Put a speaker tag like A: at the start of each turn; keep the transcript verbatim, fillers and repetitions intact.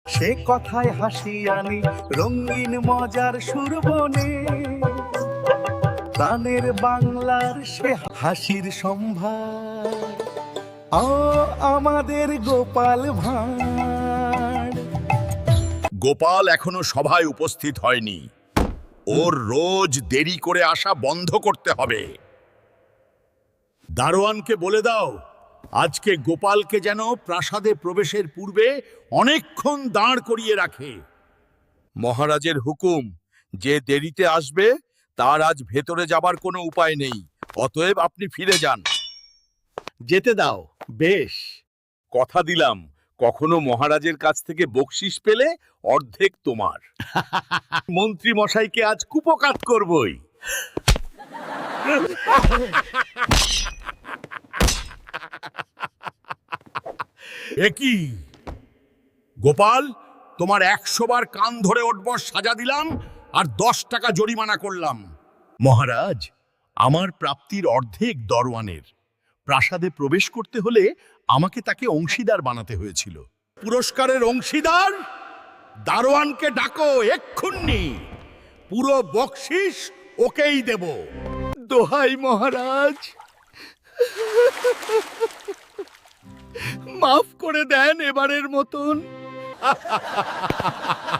A: সে কথায় হাসি আনি রঙিন মজার সুরবনে, প্রাণের বাংলার সে হাসির সম্ভার, ও আমাদের গোপাল ভাঁড়।
B: গোপাল এখনো সভায় উপস্থিত হয়নি। ওর রোজ দেরি করে আসা বন্ধ করতে হবে। দারোয়ানকে বলে দাও, আজকে গোপালকে যেন প্রাসাদে প্রবেশের পূর্বে অনেকক্ষণ দাঁড় করিয়ে রাখে। মহারাজের হুকুম, যে দেরিতে আসবে তার আজ ভেতরে যাবার কোনো উপায় নেই। অতএব আপনি ফিরে যান।
A: যেতে দাও। বেশ।
B: কথা দিলাম, কখনো মহারাজের কাছ থেকে বকশিস পেলে অর্ধেক তোমার। মন্ত্রী মশাইকে আজ কুপকাত করবই। একই গোপাল, তোমার একশো বার কান ধরে উঠবার সাজা দিলাম আর দশ টাকা জরিমানা করলাম। মহারাজ, আমার প্রাপ্তির অর্ধেক দরওয়ানের। প্রাসাদে প্রবেশ করতে হলে আমাকে তাকে অংশীদার বানাতে হয়েছিল। পুরস্কারের অংশীদার দারোয়ানকে ডাকো এক্ষুন্নি। পুরো বকশিস ওকেই দেব।
A: দোহাই মহারাজ, মাফ করে দেন এবারের মতন।